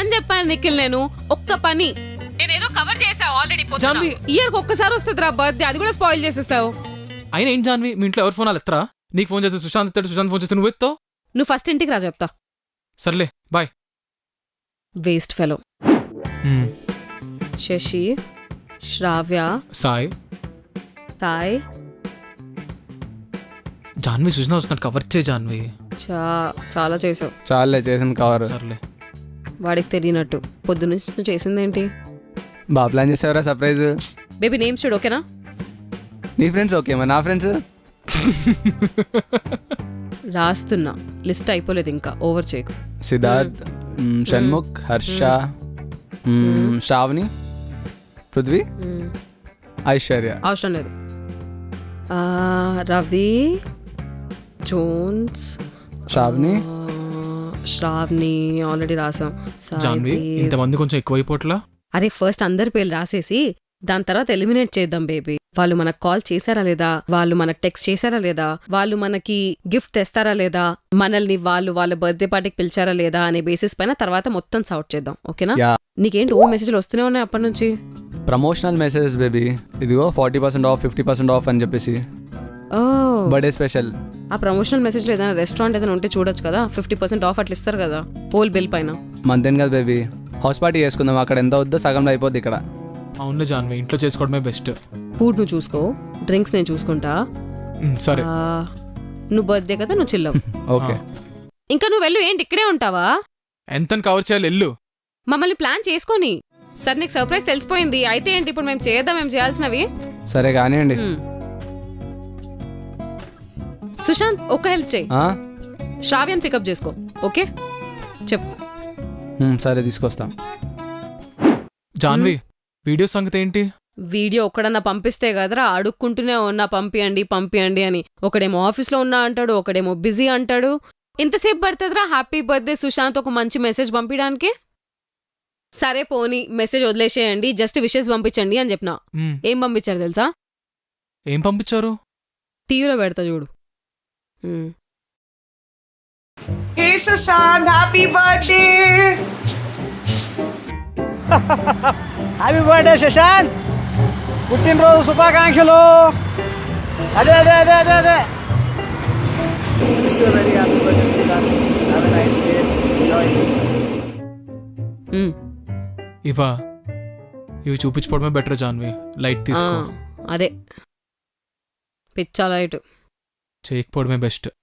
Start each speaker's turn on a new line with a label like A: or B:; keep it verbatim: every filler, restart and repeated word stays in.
A: పని చెప్పాను నిఖిల్, నేను ఒక్క పని నేనేదో కవర్ చేసా ఆల్రెడీ. ఇయర్ ఒక్కసారి వస్తుంది రా బర్త్డే, అది కూడా స్పాయిల్ చేసేస్తావు.
B: అయినా ఏం జాన్వి, మీ ఇంట్లో ఎవరు ఫోన్ వాళ్ళు ఎత్తరా? నీకు ఫోన్ చేస్తే సుశాంత్ ఎత్తాడు, సుశాంత్ ఫోన్ చేస్తే నువ్వు ఎత్తావు.
A: నువ్వు ఫస్ట్ ఇంటికి రా చెప్తా.
B: సర్లే bye.
A: Waste fellow. Sashi, Shravya,
B: Sai,
A: Sai,
B: Janvi Sujana వస్తున్నాడు, కవర్ చే జాన్వి.
A: చా చాలా చేసావు.
C: చాలే చేసిన కవర్.
B: సర్లే.
A: వాడికి తెలియనట్టు పొద్దున్నుంచి నువ్వు చేసిందేంటి?
C: బాగా ప్లాన్ చేసావరా సర్ప్రైజ్.
A: బేబీ నేమ్స్ చూడు, ఓకేనా?
C: నీ ఫ్రెండ్స్ ఓకే, మరి నా ఫ్రెండ్స్
A: రాస్తున్నా, లిస్ట్ అయిపోలేదు ఇంకా, ఓవర్ చేయకు.
C: సిద్ధార్థ్, మ్, షణ్ముఖ్, హర్ష, మ్, శ్రావణి, పృథ్వీ,
A: మ్మ్.
C: ఐశ్వర్య.
A: అవసరం లేదు. ఆ, రవి, జోన్స్,
C: శ్రావణి,
A: ఆ, శ్రావణి ఆల్రెడీ రాసాం.
B: జాన్వి
A: సాయి.
B: ఇంతమంది కొంచెం ఎక్కువైపోట్లా.
A: అరే ఫస్ట్ అందరి పేర్లు రాసేసి దాని తర్వాత ఎలిమినేట్ చేద్దాం బేబీ. వాళ్ళు మనకు కాల్ చేశారా లేదా, వాళ్ళు మనకు టెక్స్ట్ చేశారా లేదా, వాళ్ళు మనకి గిఫ్ట్ తెస్తారా లేదా, మనల్ని వాళ్ళు వాళ్ళ బర్త్డే పార్టీకి పిలిచారా లేదా అనే బేసిస్ పైన తర్వాత మొత్తం సార్ట్ చేద్దాం, ఓకేనా?
C: యా.
A: నీకేంటి ఓ మెసేజ్లు వస్తూనే ఉన్నాయి అప్పటి నుంచి?
C: Promotional messages baby. ఇదిగో forty percent off, fifty percent off అని చెప్పేసి
A: ఓ,
C: బర్త్డే స్పెషల్.
A: ఆ ప్రమోషనల్ మెసేజ్లో ఏదైనా రెస్టారెంట్ ఏదైనా ఉంటే చూడొచ్చు కదా, ఫిఫ్టీ పర్సెంట్ ఆఫ్ అట్లా ఇస్తారు కదా హోల్ బిల్ పైన.
C: మంతేం కదా బేబీ, హౌస్ పార్టీ చేసుకుందాం, అక్కడ ఎంత వద్దో సగంలో అయిపోద్ది ఇక్కడ.
B: అవును జాన్వి, ఇంట్లో చేసుకోవడమే బెస్ట్.
A: ఫుడ్ నువ్వు చూసుకో, డ్రింక్స్ నేను చూసుకుంటా.
B: సరే.
A: ఆ, నువ్వు బర్త్డే కదా, నువ్వు చిల్లవు.
C: ఓకే.
A: ఇంకా నువ్వు వెళ్ళు, ఏంటి ఇక్కడే ఉంటావా?
B: ఎంత కవర్ చేయాలి ఎల్లు.
A: మమ్మల్ని ప్లాన్ చేసుకొని. సరే నీకు సర్ప్రైజ్ తెలిసిపోయింది, అయితే ఏంటి ఇప్పుడు మేము చేద్దాం, మేము చేయాల్సినవి.
C: సరే కానివ్వండి.
A: హ్మ్. సుశాంత్ ఒక హెల్ప్ చేయి,
C: ఆ?
A: శ్రావ్యాన్ని పికప్ చేసుకో, ఓకే? చెప్పు.
C: మ్, సరే తీసుకొస్తాం.
B: జాన్వి వీడియో సంగతి ఏంటి?
A: వీడియో ఒక్కడన్నా పంపిస్తే కదరా అడుక్కుంటూనే ఉన్నా పంపియండి పంపియండి అని. ఒకడేమో ఆఫీస్లో ఉన్నా అంటాడు, ఒకడేమో బిజీ అంటాడు. ఇంతసేపు పడుతుందిరా హ్యాపీ బర్త్డే సుశాంత్ ఒక మంచి మెసేజ్ పంపించడానికి? సరే పోనీ మెసేజ్ వదిలేసేయండి, జస్ట్ విషెస్ పంపించండి అని చెప్పిన.
B: మ్,
A: ఏం పంపించారు తెలుసా?
B: ఏం పంపించారు?
A: టీవీలో పెడతా చూడు. హ్మ్.
D: Hey Sushant, happy birthday!
E: Happy birthday Shashant, పుట్టినరోజు శుభాకాంక్షలు. అదే అదే అదే అదే అదే very happy birthday Shashant, have a nice day, enjoy.
A: Hmm.
B: ఇవా ఇవి చూపించుకోవడమే బెటర్ జాన్వి, లైట్
A: ఆ,
B: తీసుకో.
A: అదే పిచ్చా లైట్.
B: చేయకపోవడమే బెస్ట్.